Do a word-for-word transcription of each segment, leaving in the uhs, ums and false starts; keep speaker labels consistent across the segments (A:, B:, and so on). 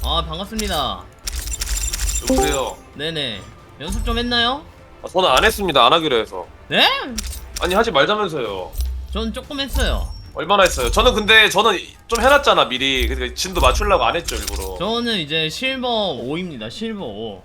A: 아 반갑습니다.
B: 여보세요.
A: 네네. 연습 좀 했나요?
B: 아, 저는 안 했습니다. 안 하기로 해서.
A: 네?
B: 아니 하지 말자면서요.
A: 전 조금 했어요.
B: 얼마나 했어요? 저는 근데 저는 좀 해놨잖아 미리. 그러니까 진도 맞추려고 안 했죠 일부러.
A: 저는 이제 실버 오입니다. 실버 오.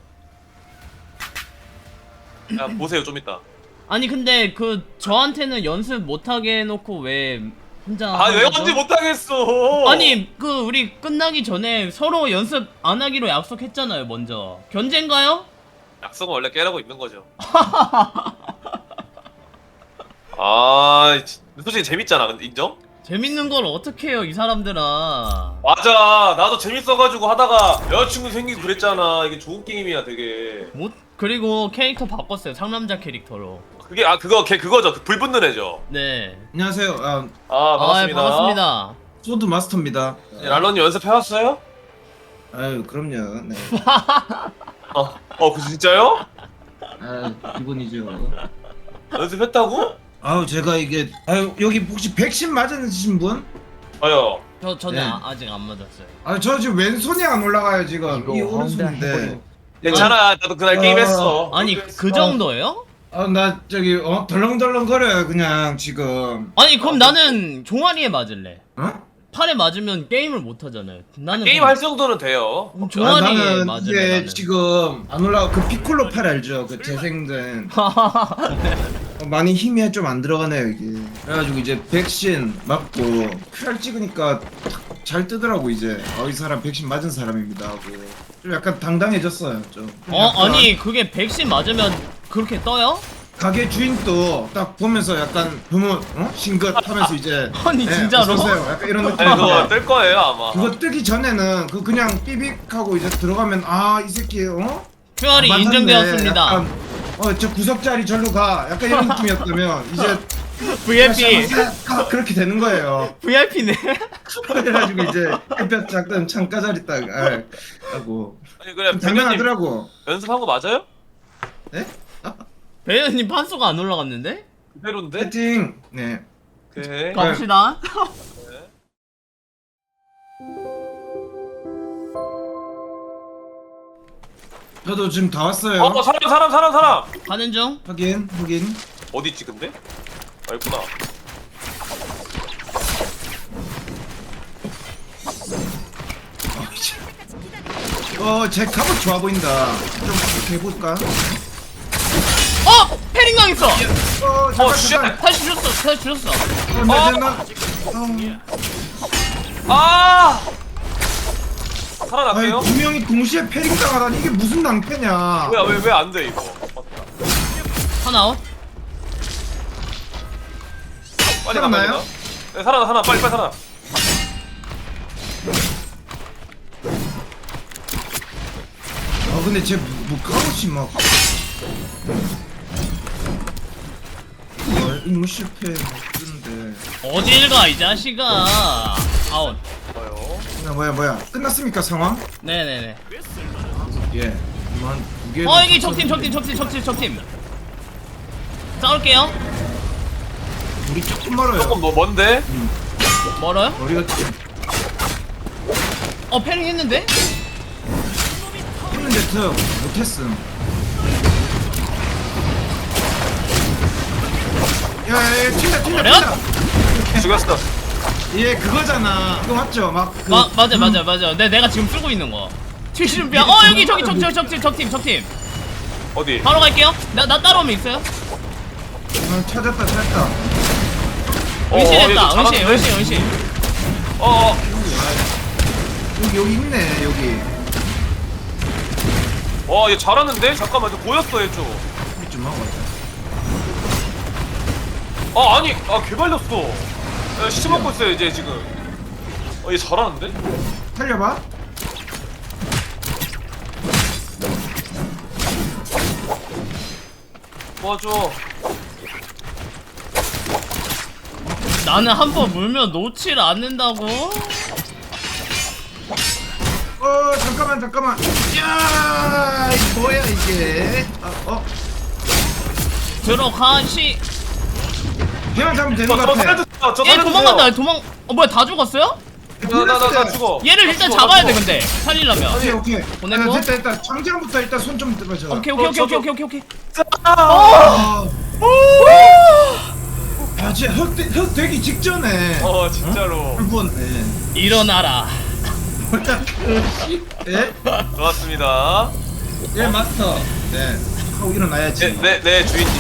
B: 야 보세요 좀 이따.
A: 아니 근데 그 저한테는 연습 못하게 해놓고 왜 혼자
B: 아
A: 하는
B: 왜
A: 거죠?
B: 언제 못하겠어?
A: 아니 그 우리 끝나기 전에 서로 연습 안 하기로 약속했잖아요 먼저. 견제인가요?
B: 약속은 원래 깨라고 있는 거죠. 아 솔직히 재밌잖아. 근데 인정?
A: 재밌는 걸 어떻게 해요 이 사람들아.
B: 맞아. 나도 재밌어가지고 하다가 여자친구 생기고 그랬잖아. 이게 좋은 게임이야 되게.
A: 못 그리고 캐릭터 바꿨어요. 상남자 캐릭터로.
B: 그게 아 그거 걔 그거죠. 그 불 붙는 애죠.
A: 네.
C: 안녕하세요. 아,
B: 아
A: 아
B: 반갑습니다.
A: 반갑습니다.
C: 소드 마스터입니다.
B: 네, 랄런님 연습해왔어요?
C: 아유, 그럼요. 네.
B: 어, 어, 그 진짜요?
C: 아, 기본이죠.
B: 연습했다고?
C: 아유, 제가 이게 아유, 여기 혹시 백신 맞으신 분?
B: 저요.
A: 저 저는
C: 네.
A: 아, 아직 안 맞았어요.
C: 아, 저 지금 왼손이 안 올라가요, 지금.
D: 이거
C: 이
D: 혼자
C: 오른손인데.
D: 해버려.
B: 괜찮아. 나도 그날
C: 어.
B: 게임했어.
A: 아니 그 정도예요?
C: 아, 나 저기 어 덜렁덜렁 거려요, 그냥 지금.
A: 아니 그럼 나는 종아리에 맞을래.
C: 어?
A: 팔에 맞으면 게임을 못 하잖아요. 나는
B: 게임 할 정도는 돼요.
A: 그럼
C: 아,
A: 종아리에
C: 나는
A: 맞을래.
C: 이게
A: 나는.
C: 지금 안 올라가. 그 피콜로 팔 알죠? 그 재생된. 어, 많이 힘이 좀 안 들어가네요 이게. 그래가지고 이제 백신 맞고 큐알 찍으니까 잘 뜨더라고 이제. 어, 이 사람 백신 맞은 사람입니다 하고 좀 약간 당당해졌어요 좀.
A: 어
C: 약간
A: 아니 그게 백신 맞으면 그렇게 떠요?
C: 가게 주인도 딱 보면서 약간 부모 어? 싱긋하면서 이제
A: 아니, 진짜로?
C: 어서 오세요. 약간 이런 느낌.
B: 아니 그거 뜰 거예요 아마.
C: 그거 뜨기 전에는 그 그냥 삐빅하고 이제 들어가면 아 이 새끼 어?
A: 큐알이
C: 아, 맞았네.
A: 인정되었습니다.
C: 약간, 어 저 구석 자리 절로 가. 약간 이런 느낌이었다면 이제
A: 브이아이피
C: 가, 그렇게 되는 거예요.
A: 브이아이피네.
C: 그래가지고 이제 햇볕 작던 창가 자리 딱 아, 하고
B: 아니 그래 배우님
C: 당연하더라고.
B: 연습한 거 맞아요?
C: 네?
A: 배현님 판수가 안 올라갔는데?
B: 그대로인데?
C: 세팅. 네.
B: 오케이.
A: 갑시다.
C: 저도 지금 다 왔어요.
B: 어 사람 사람 사람 사람.
A: 가는 중.
C: 확인 확인.
B: 어디 있지 근데? 아 있구나.
C: 어제 갑옷 좋아 보인다. 좀 이렇게 해볼까?
A: 어! 패링 당했어!
C: 어 잠깐
B: 어, 쉣!
C: 잠깐.
A: 다시 주셨어, 다시 주셨어.
C: 어, 나, 나, 나, 어.
B: 아.
C: 아니
B: 살아났어요?
C: 두 명이 동시에 패링 당하다니 이게 무슨 낭패냐?
B: 뭐야 왜 왜 안 돼 이거? 맞다.
A: 하나 웃.
B: 빨리 가,
C: 살아나요?
B: 빨리 가. 네 살아나 살아나 빨리 빨리 살아나.
C: 어 근데 쟤뭐 뭐 갑옷이 막. 어, 임무 실패 막 그러는데.
A: 어딜 가, 이 자식아. 아웃.
B: 좋아요.
C: 뭐야 뭐야 뭐야 끝났습니까 상황?
A: 네네네.
C: 예. 한두 개.
A: 어, 여기 적팀, 적팀, 적팀, 적팀, 적팀. 싸울게요.
C: 우리 조금 멀어요.
B: 조금 뭐 뭔데?
A: 멀어요?
C: 우리가 지금
A: 어, 패링 했는데?
C: 했는데 더 못했음. 야야야 튄다 튄다
A: 어려?
C: 튄다.
B: 죽였어.
C: 얘 그거잖아. 그거 맞죠? 막 그.
A: 마, 맞아,
C: 음,
A: 맞아, 맞아. 내, 내가 지금 쓰고 있는 거. 칠십 뼈. 어, 여기, 저기, 적, 적, 적팀, 적팀, 적팀.
B: 어디?
A: 바로 갈게요. 나, 나 따라오면 있어요?
C: 어, 찾았다 찾았다.
B: 어,
A: 은신했다,
B: 얘도
A: 은신,
B: 잘하는데?
A: 은신, 은신.
B: 어 어.
C: 여기 여기 있네 여기.
B: 와, 얘 잘하는데? 잠깐만, 저 보였어, 얘 좀.
C: 우리 좀 하고 왔다.
B: 아, 아니, 아, 개발렸어. 야, 시체 먹고 있어요, 이제 지금. 어, 얘 잘하는데?
C: 살려봐.
B: 도와줘.
A: 나는 한 번 물면 놓지를 않는다고?
C: 어 잠깐만 잠깐만. 야 이거 뭐야 이게? 아, 어
A: 들어가시.
C: 그냥 잡으면 되는
B: 저,
C: 것
B: 저
C: 같아.
B: 살려주세요, 저
A: 얘
B: 살려주세요.
A: 도망간다, 도망. 어, 뭐야, 다 죽었어요?
B: 나 나 나 죽어.
A: 얘를
B: 나
A: 일단
B: 죽어,
A: 잡아야
B: 나
A: 돼
B: 죽어.
A: 근데 살리려면.
C: 오케이 오케이.
A: 보내고?
C: 아, 됐다 됐다. 장전부터 일단 손 좀 뜯어줘.
A: 오케이
B: 어,
A: 오케이 오케이
B: 저도-
A: 오케이 오케이 오케이.
B: 아!
C: 아, 아 진짜 흑, 되- 흑 되기 직전에.
B: 어 진짜로.
C: 한번 예.
A: 일어나라.
C: 일단 그 예?
B: 좋았습니다.
C: 예 마스터. 네. 하고 일어나야지.
B: 네네 네, 주인님.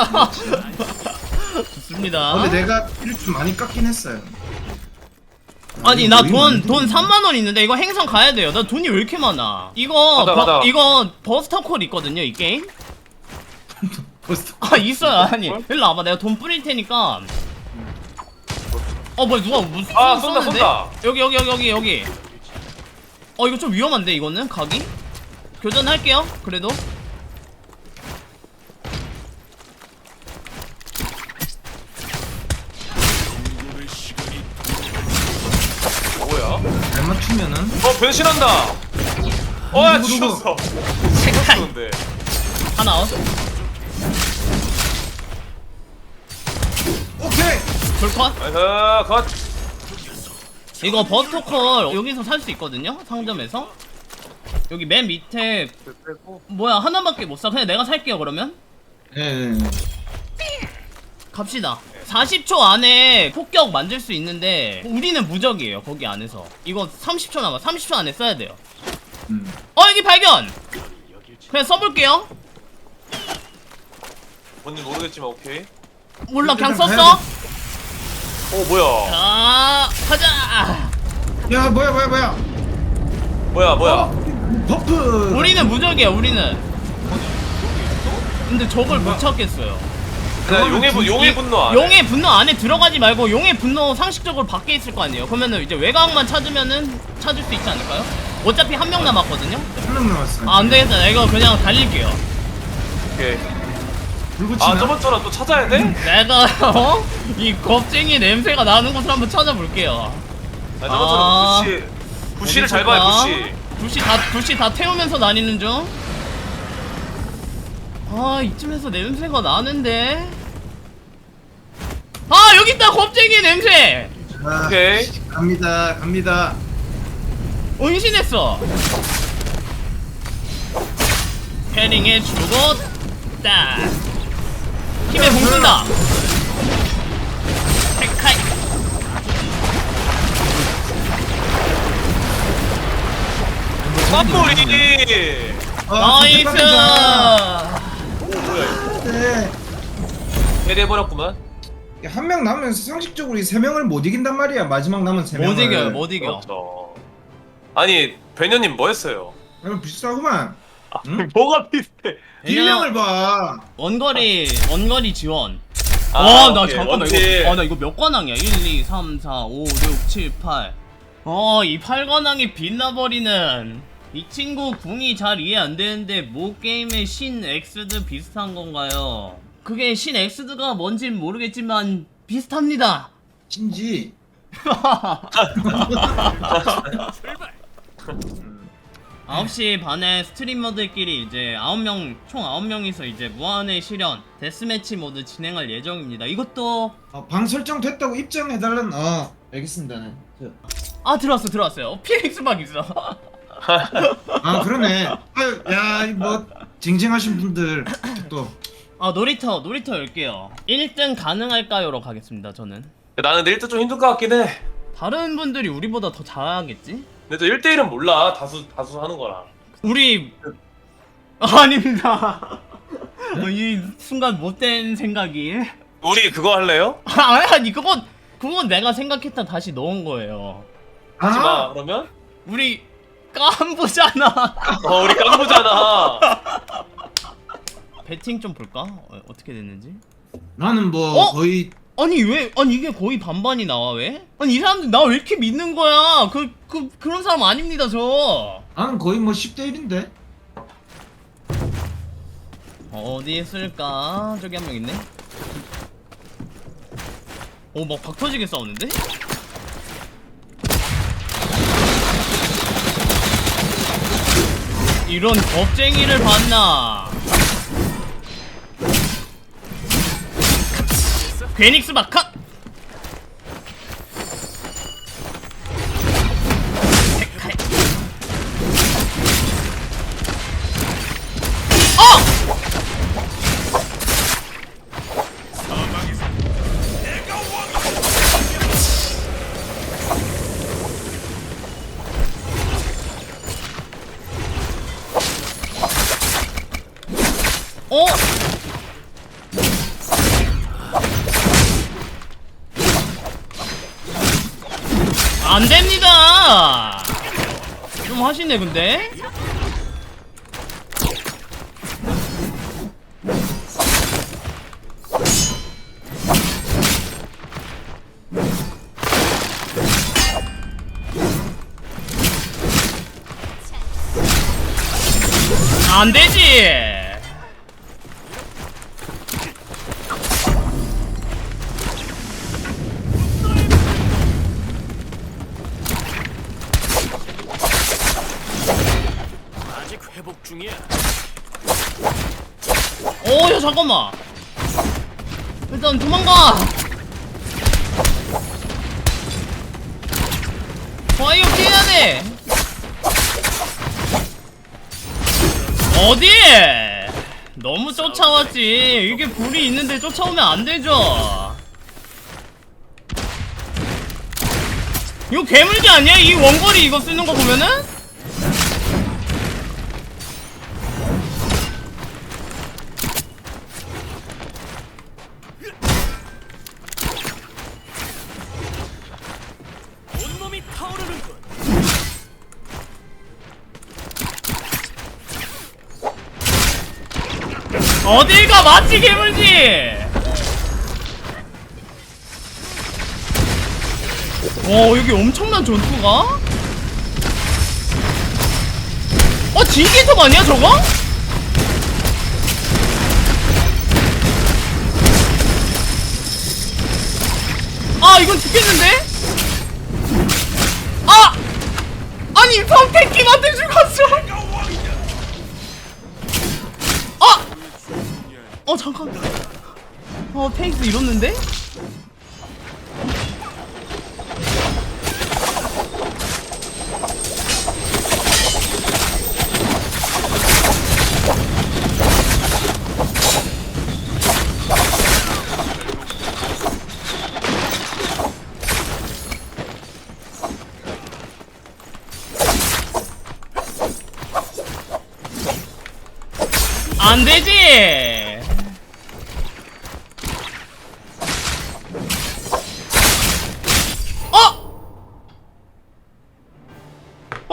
A: 좋습니다.
C: 어, 근데 내가 피를 좀 많이 깎긴 했어요.
A: 아니 나
C: 거의
A: 돈
C: 많이
A: 돈 삼만 원 있는데 이거 행성 가야 돼요. 나 돈이 왜 이렇게 많아? 이거
B: 가자,
A: 버,
B: 가자.
A: 이거 버스터 콜 있거든요 이 게임.
C: 벌써
A: 아 있어요. 아니 일로 와봐. 내가 돈 뿌릴 테니까. 어 뭐야 누가 무슨
B: 아, 쏜다,
A: 쏘는데?
B: 쏜다.
A: 여기 여기 여기 여기 여기. 어 이거 좀 위험한데 이거는 각이? 교전할게요. 그래도.
B: 뭐야?
C: 잘 맞추면은.
B: 어 변신한다. 어야
C: 누구, 누구?
B: 죽었어.
A: 색깔.
B: 죽었는데.
A: 하나.
C: 오케이.
A: 불컷.
B: 나이스 컷.
A: 이거 버스터 콜 여기서 살 수 있거든요. 상점에서. 여기 맨 밑에 뭐야 하나밖에 못 사. 그냥 내가 살게요 그러면.
C: 예. 예.
A: 갑시다. 사십 초 안에 폭격 만들 수 있는데 우리는 무적이에요 거기 안에서. 이거 삼십 초 남아. 삼십 초 안에 써야 돼요.
C: 음.
A: 어 여기 발견. 그냥 써볼게요.
B: 뭔지 모르겠지만 오케이.
A: 몰라 그냥
C: 일단
A: 썼어.
C: 가야
B: 어 뭐야?
A: 자 가자.
C: 야 뭐야 뭐야 뭐야.
B: 뭐야 뭐야?
C: 어? 버프.
A: 우리는 무적이야 우리는. 근데 저걸 못 찾겠어요.
B: 나 용의 분 용의 분노 안 해.
A: 용의 분노 안에 들어가지 말고 용의 분노 상식적으로 밖에 있을 거 아니에요. 그러면은 이제 외곽만 찾으면은 찾을 수 있지 않을까요? 어차피 한 명 남았거든요.
C: 한명 남았어.
A: 아 안되겠다. 나 이거 그냥 달릴게요.
B: 오케이.
C: 불 붙이나?
B: 아 저번처럼 또 찾아야 돼?
A: 내가 어? 이 겁쟁이 냄새가 나는 곳을 한번 찾아볼게요.
B: 아 저번처럼 부시 부시를 잘 봐요 부시.
A: 부시 다 부시 다 태우면서 다니는 중. 아 이쯤에서 냄새가 나는데. 아 여기 있다 겁쟁이 냄새.
C: 자,
B: 오케이.
C: 갑니다 갑니다.
A: 은신했어. 패링에 죽었다. 힘에 공쓴다. 헤카이.
B: 깜놀이.
C: 아,
A: 나이스.
B: 오 뭐야 이거?
C: 네.
B: 해리해버렸구만.
C: 한 명 남으면 상식적으로 이 세 명을 못 이긴단 말이야. 마지막 남은 세 명을.
A: 못 이겨요 못 이겨.
B: 그렇죠. 아니 배녀님 뭐 했어요?
C: 이거 비슷하구만. 응?
B: 뭐가 비슷해?
C: 딜량을 봐.
A: 원거리 원거리 지원.
B: 아,
A: 와 나
B: 오케이.
A: 잠깐만
B: 원딜.
A: 이거 아 나 이거 몇 관왕이야? 일, 이, 삼, 사, 오, 육, 칠, 팔. 어 이 팔 관왕이 빛나버리는. 이 친구 궁이 잘 이해 안 되는데 모 게임의 신 엑스드 비슷한 건가요? 그게 신 엑스드가 뭔진 모르겠지만 비슷합니다.
C: 신지.
A: 아홉 시 반에 스트리머들끼리 이제 아홉 명, 총 아홉 명이서 이제 무한의 실현 데스매치 모드 진행할 예정입니다. 이것도
C: 어, 방 설정 됐다고 입장해달란. 어 알겠습니다. 네.
A: 아 들어왔어 들어왔어요. 피닉스 막 있어.
C: 아 그러네. 아유 야뭐 징징하신 분들 또.
A: 아 놀이터 놀이터 열게요. 일 등 가능할까요로 가겠습니다. 저는.
B: 나는 일 등 좀 힘들 것 같긴 해.
A: 다른 분들이 우리보다 더 잘하겠지?
B: 근데 저 일 대 일은 몰라. 다수 다수 하는 거랑.
A: 우리 아, 아닙니다. 어, 이 순간 못된 생각이.
B: 우리 그거 할래요?
A: 아, 아니 그건 그건 내가 생각했다 다시 넣은 거예요.
B: 하지 마.
C: 아
B: 그러면?
A: 우리 깐부잖아.
B: 어 우리 깡부잖아.
A: 배팅 좀 볼까? 어, 어떻게 됐는지?
C: 나는 뭐
A: 어?
C: 거의
A: 아니 왜? 아니 이게 거의 반반이 나와 왜? 아니 이 사람들 나 왜 이렇게 믿는 거야? 그, 그 그런 사람 아닙니다 저.
C: 나는 거의 뭐 십 대 일인데.
A: 어디 있을까? 저기 한 명 있네. 오 막 박터지게 싸우는데? 이런 겁쟁이를 봤나? 베닉스 마카! 어? 안 됩니다. 좀 하시네 근데. 안 되지.
D: 아직 회복 중이야.
A: 오, 야 잠깐만. 일단 도망가. 와 이거 피해야 돼. 어디? 너무 쫓아왔지. 이게 불이 있는데 쫓아오면 안 되죠. 이거 괴물기 아니야? 이 원거리 이거 쓰는 거 보면은?
D: 온몸이 타오르는군.
A: 어딜 가 맞지 괴물지. 와 여기 엄청난 전투가? 어 진기톱 아니야 저거? 아 이건 죽겠는데? 아! 아니 평택기한테 죽었어. 아! 어 잠깐. 어 페이스 잃었는데? 안 되지. 어? 오!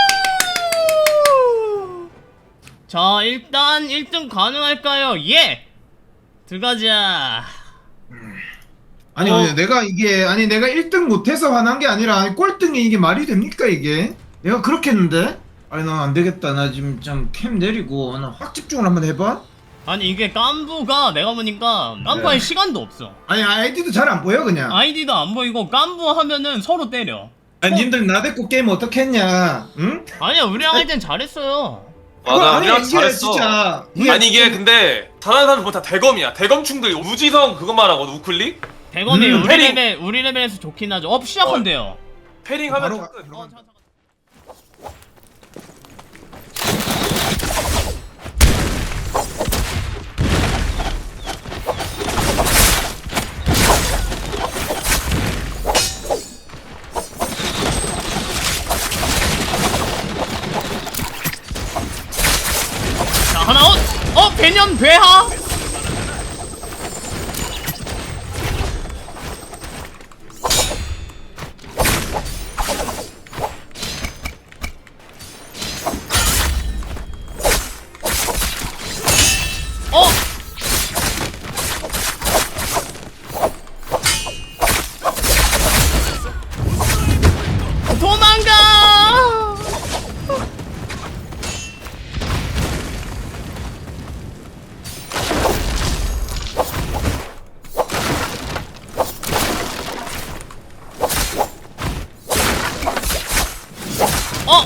A: 자, 일단 일 등 가능할까요? 예. 들어가자.
C: 아니
A: 어.
C: 아니 내가 이게 아니 내가 일 등 못해서 화난 게 아니라 아니 꼴등이 이게 말이 됩니까 이게? 내가 그렇게 했는데? 아니 나 안 되겠다. 나 지금 좀 캠 내리고 나 확 집중을 한번 해봐.
A: 아니 이게 깐부가 내가 보니까 깐부할
C: 네.
A: 시간도 없어.
C: 아니 아이디도 잘 안 보여 그냥.
A: 아이디도 안 보이고 깐부 하면은 서로 때려.
C: 아니 님들 나 데리고 게임 어떻게 했냐? 응?
A: 아니야 우리랑 할 땐 잘했어요.
B: 맞아,
C: 아니,
B: 우리랑
C: 이게
B: 잘했어.
C: 진짜
B: 아니 이게 근데 잘하는 사람 보면 다 대검이야. 대검충들이 우지성 그거 말하거든. 우클릭?
A: 대검이
C: 음,
A: 우리
B: 패링.
A: 레벨 우리 레벨에서 좋긴 하죠. 업 시작한대요.
B: 패링하면
C: 바로
B: 다
C: 가-
B: 끝.
A: 어, 자, 자. 자 하나 어? 어 배년 배하? 어? 도망가! 어?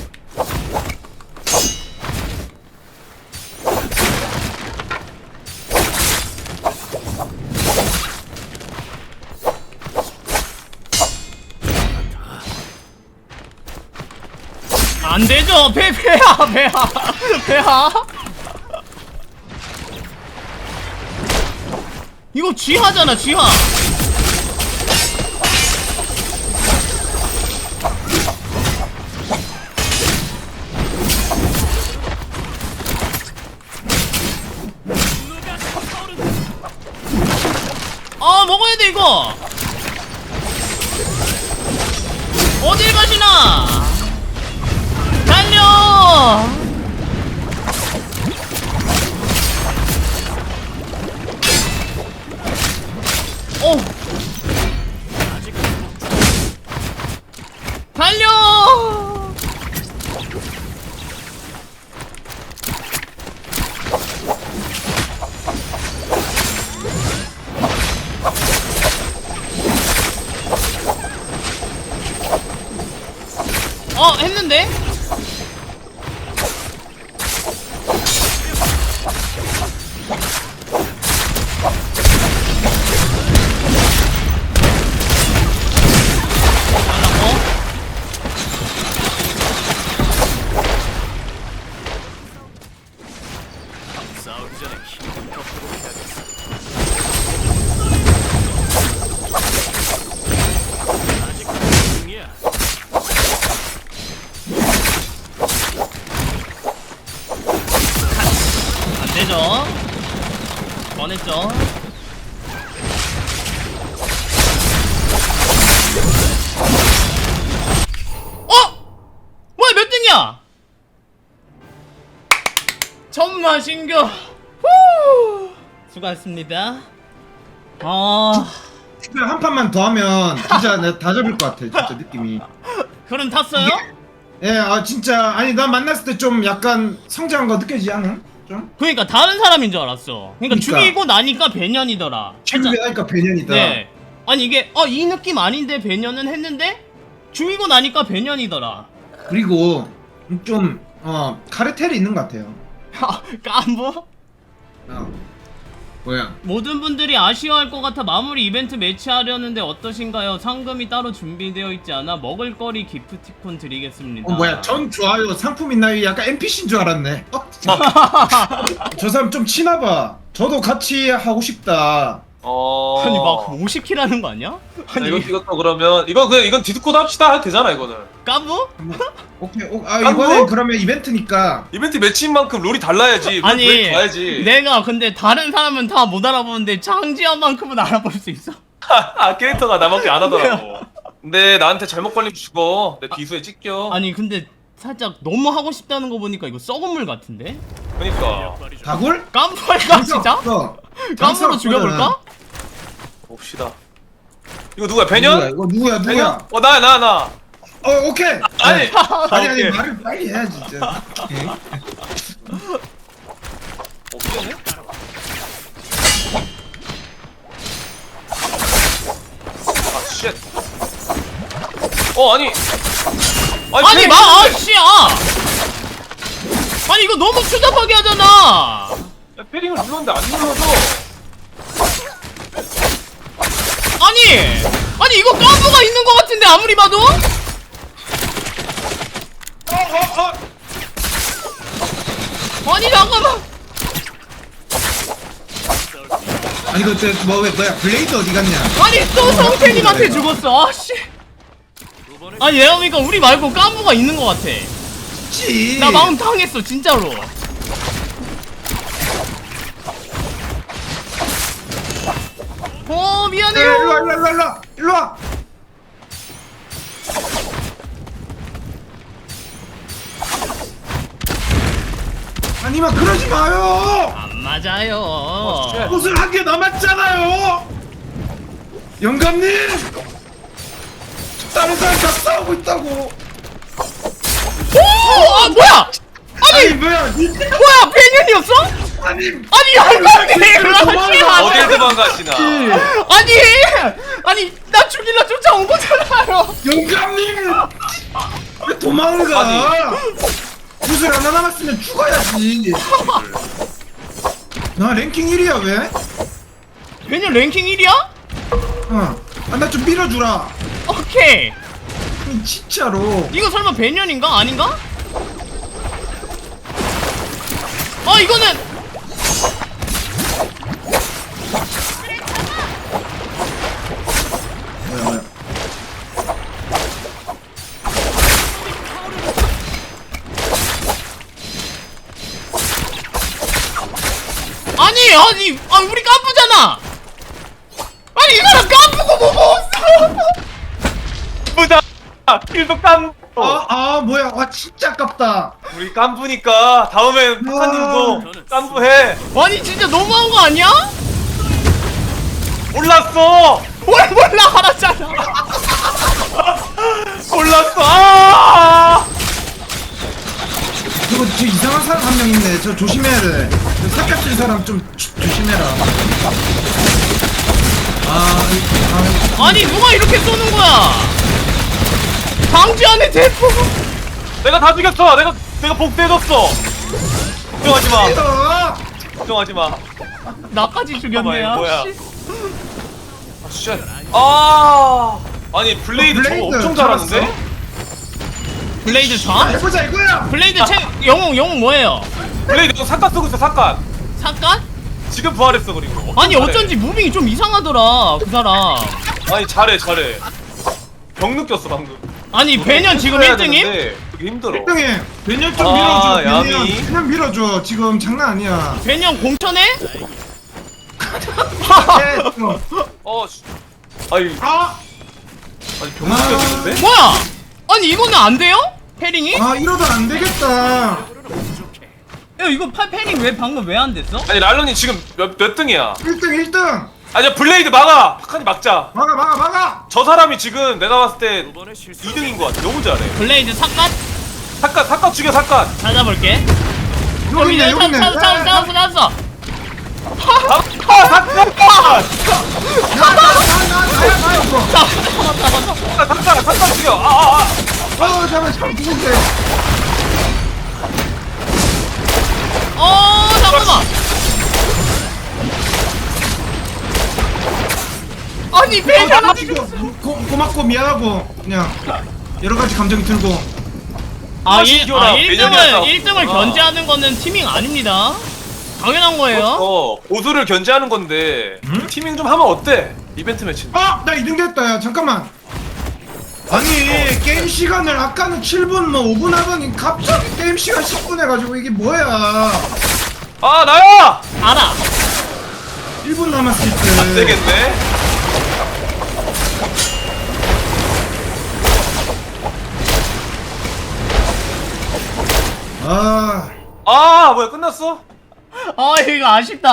A: 안 되죠. 배 배야 배야 배야. 이거 쥐하잖아 쥐하. 이거? 어딜 가시나? 달려! 오!
D: 아직 회복 중이야.
A: 달려! 어, 했는데?
D: 싸우기 전에 힘을 거꾸로 해야겠어. 아직 회복 중이야.
A: 안되죠. 꺼냈죠. 어? 뭐야 몇 등이야? 천마 신규. 후! 수고하셨습니다. 아,
C: 한 판만 더 하면 진짜 내가 다 잡을 것 같아 진짜 느낌이.
A: 그럼 탔어요?
C: 예, 아 진짜 아니 나 만났을 때 좀 약간 성장한 거 느껴지지 않아? 좀?
A: 그러니까 다른 사람인 줄 알았어. 그러니까,
C: 그러니까.
A: 죽이고 나니까 배년이더라.
C: 준비하니까 배년이다.
A: 네. 아니 이게 어 이 느낌 아닌데 배년은 했는데 죽이고 나니까 배년이더라.
C: 그리고 좀 어 카르텔이 있는 것 같아요.
A: 깐부?
C: 어. 뭐야?
A: 모든 분들이 아쉬워할 것 같아 마무리 이벤트 매치하려는데 어떠신가요? 상금이 따로 준비되어 있지 않아 먹을거리 기프티콘 드리겠습니다.
C: 어 뭐야? 전 좋아요. 상품 있나요? 약간 엔피씨인 줄 알았네. 어? 저 사람 좀 치나봐. 저도 같이 하고 싶다.
B: 어.
A: 아니 막 오십 킬 하는 거 아니야?
B: 아니,
A: 아니
B: 이것도 이것도 그러면 이거 그냥 이건 디스코드 합시다 해도 되잖아 이거는.
A: 깐부?
C: 오케이. 오, 아
B: 아,
C: 이번엔
B: 뭐?
C: 그러면 이벤트니까.
B: 이벤트 매치인 만큼 룰이 달라야지.
A: 아니
B: 룰 봐야지.
A: 내가 근데 다른 사람은 다 못 알아보는데 장지현만큼은 알아볼 수 있어.
B: 아 캐릭터가 나밖에 안 하더라고. 근데 나한테 잘못 걸리면 죽어. 내 비수에 찢겨.
A: 아니 근데 살짝 너무 하고 싶다는 거 보니까 이거 썩은 물 같은데?
B: 그러니까
D: 역할이 좀
C: 다굴?
A: 깐부할까 진짜?
C: 어.
A: 깐부로 죽여볼까?
B: 봅시다. 이거 누구야?
C: 누구야?
B: 배년?
C: 이거 누구야? 누구야?
B: 배년? 어 나야 나 나.
C: 어 오케이.
B: 아니.
C: 네. 아니 아니
B: 오케이.
C: 말을 빨리 해야지 진짜. 오케이.
B: 오케이. 아 쉣. 어 아니.
A: 아니
B: 패링
A: 마
B: 했는데.
A: 아씨야! 아니 이거 너무 추잡하게 하잖아.
B: 야, 패링을 눌렀는데 안 눌러져.
A: 아니 아니 이거 깐부가 있는 것 같은데 아무리 봐도?
B: 어어 어.
A: 아니 잠깐만.
C: 아니 그때 뭐 왜 뭐야 블레이드 어디 갔냐?
A: 아니 또 성태님한테 죽었어. 아씨.
D: 두 번을
A: 아니 얘가 보니까 우리 말고 깐부가 있는 것 같아.
C: 그치.
A: 나 마음 상했어 진짜로. 어
C: 야,
A: 미안해요.
C: 일로 와 일로 와 일로 와 일로 와. 아니면 그러지 마요.
A: 안 맞아요.
B: 쉣.
C: 옷을 한 개 남았잖아요. 영감님. 다른 사람 다 싸우고 있다고.
A: 오! 아 뭐야?
C: 아니 뭐야? 니-
A: 뭐야 배년이었어?
C: 아니
A: 아니 영감님 그러지
B: 어딜
A: 마세요.
B: 도망가시나.
A: 아니 아니 나 죽이려 쫓아온 거잖아요.
C: 영감님 왜 도망을 가? 옷을 하나 남았으면 죽어야지. 나 랭킹 일 위야 왜?
A: 배년 랭킹 일이야?
C: 어. 아, 나 좀 밀어주라.
A: 오케이.
C: 아니, 진짜로.
A: 이거 설마 배년인가? 아닌가? 아 이거는
C: 뭐야 뭐야.
A: 아니 아니 아 우리 깐부잖아. 아니 아니 이 사람 깜부고 뭐 먹었어.
B: 보자. 일도 깜.
C: 아, 아 뭐야 와 진짜 아깝다.
B: 우리 깜부니까 다음엔 파카님도 깜부해.
A: 아니 진짜 너무한 거 아니야?
B: 몰랐어.
A: 뭘 몰라 알았잖아.
B: 몰랐어. 아!
C: 그리고 저 이상한 사람 한 명 있네. 저 조심해야 돼. 저 삭갓질 사람 좀 조, 조심해라. 아, 아,
A: 아니 누가 이렇게 쏘는 거야? 방지 안에 대포.
B: 내가 다 죽였어. 내가 내가 복수해줬어. 걱정하지 마.
C: 아,
B: 걱정하지 마.
A: 나까지 죽였네.
B: 봐봐, 뭐야.
A: 아, 씨.
B: 아, 쉣. 아. 아니 블레이드
C: 어,
B: 저거
C: 블레이드
B: 엄청
C: 잡았어?
B: 잘하는데?
A: 블레이드
C: 자,
A: 전?
C: 해보자 이거야.
A: 블레이드 채 영웅 영웅 뭐예요?
B: 블레이드 너 삭간 쓰고 있어 삭간.
A: 잠깐?
B: 지금 부활했어 그리고.
A: 아니
B: 잘해.
A: 어쩐지 무빙이 좀 이상하더라 그 사람.
B: 아니 잘해 잘해. 병 느꼈어 방금.
A: 아니 배년 지금
B: 해야
A: 일 등임?
B: 되는데 그게 힘들어.
C: 일 등에 배년 좀
B: 아,
C: 밀어줘.
B: 야미.
C: 배년 그냥 밀어줘. 지금 장난 아니야.
A: 배년 공천해?
C: 예, 어.
B: 어. 씨. 아니
C: 아,
B: 아니 병 느꼈는데?
A: 뭐야? 아니 이거는 안 돼요? 패링이?
C: 아 이러다 안 되겠다.
A: 야 이거 팔 패링 왜 방금 왜 안 됐어?
B: 아니 랄런이 지금 몇, 몇 등이야?
C: 일 등 일 등.
B: 아니야 블레이드 막아. 파칸이 막자.
C: 막아 막아 막아.
B: 저 사람이 지금 내가 봤을 때
D: 두 번의 실수.
B: 이 등인 것 같아. 너무 잘해.
A: 블레이드 삭갓
B: 삭간 삭간 죽여 삭간.
A: 찾아볼게.
C: 여기 있네 여기 있네.
A: 찾았어 찾았어 찾았어 찾았어.
B: 아 삭간.
C: 나나나나나야 이거.
B: 삭간 삭간 죽여. 아아 아.
C: 어 잠깐 잠깐 누군데?
A: 어 잠깐만. 아니 배년
C: 어, 이거 고, 고맙고 미안하고 그냥 여러 가지 감정이 들고.
A: 아,
B: 다시
A: 일,
B: 이겨라.
A: 아 일 등을
B: 배년이었다.
A: 일 등을
B: 아.
A: 견제하는 거는 티밍 아닙니다. 당연한 거예요.
B: 어 보수를 견제하는 건데
C: 음?
B: 티밍 좀 하면 어때? 이벤트 매치.
C: 아, 나 이 등 됐다. 야, 잠깐만. 아니, 게임 시간을 아까는 칠 분 뭐 오 분 하더니 갑자기 게임 시간 십 분 해가지고 이게 뭐야?
B: 아 나야.
A: 알아.
C: 일 분 남았을 때.
B: 안 되겠네.
C: 아,
B: 아 뭐야 끝났어?
A: 아 이거 아쉽다.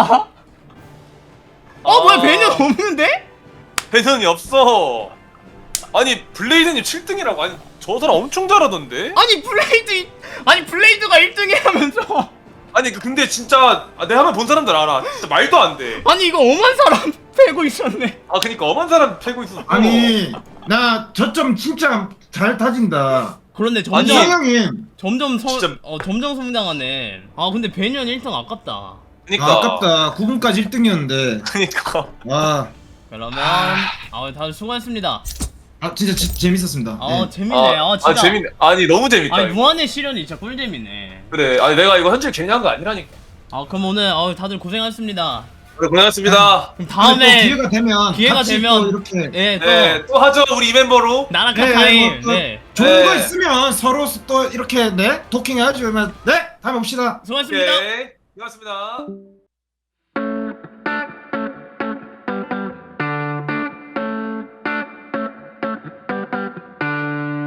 A: 어
B: 아.
A: 뭐야 배년 없는데?
B: 배선이 없어. 아니 블레이드님 칠 등이라고. 아니 저 사람 엄청 잘하던데.
A: 아니 블레이드 아니 블레이드가 일 등이라면서.
B: 아니 그- 근데 진짜 아, 내 화면 본 사람들 알아. 진짜 말도 안 돼.
A: 아니 이거 엄한 사람 패고 있었네.
B: 아 그니까 엄한 사람 패고 있었어.
C: 아니, 나 저점 진짜 잘 다진다.
A: 그런데
B: 아니,
A: 점점
C: 성형이
A: 점점 서,
B: 진짜-
A: 어 점점 성장하네. 아 근데 배년 일 등 아깝다.
B: 그니까.
C: 아, 아깝다. 구 분까지 일 등이었는데.
B: 그니까.
C: 와,
A: 그러면 아 다들 수고했습니다.
C: 아 진짜 지, 재밌었습니다.
A: 아
C: 네.
A: 재밌네. 아, 진짜.
B: 아 재밌네. 아니 너무 재밌다.
A: 아니
B: 이거.
A: 무한의 시련이 진짜 꿀잼이네.
B: 그래. 아니 내가 이거 현질 괜히 한 거 아니라니까.
A: 아 그럼 오늘 어, 다들 고생하셨습니다.
B: 그래 고생하셨습니다.
A: 그럼
C: 또
A: 다음에
C: 기회가 되면
A: 기회가
C: 같이
A: 되면
C: 또 이렇게
A: 예, 또
B: 네, 또 하죠 우리 이 멤버로.
A: 나라카
C: 네,
A: 타임.
C: 뭐 또
A: 네.
C: 좋은 거
B: 네.
C: 있으면 서로 또 이렇게 네 도킹해야지. 그러면 네 다음에 봅시다.
A: 수고하셨습니다.
B: 오케이. 고맙습니다.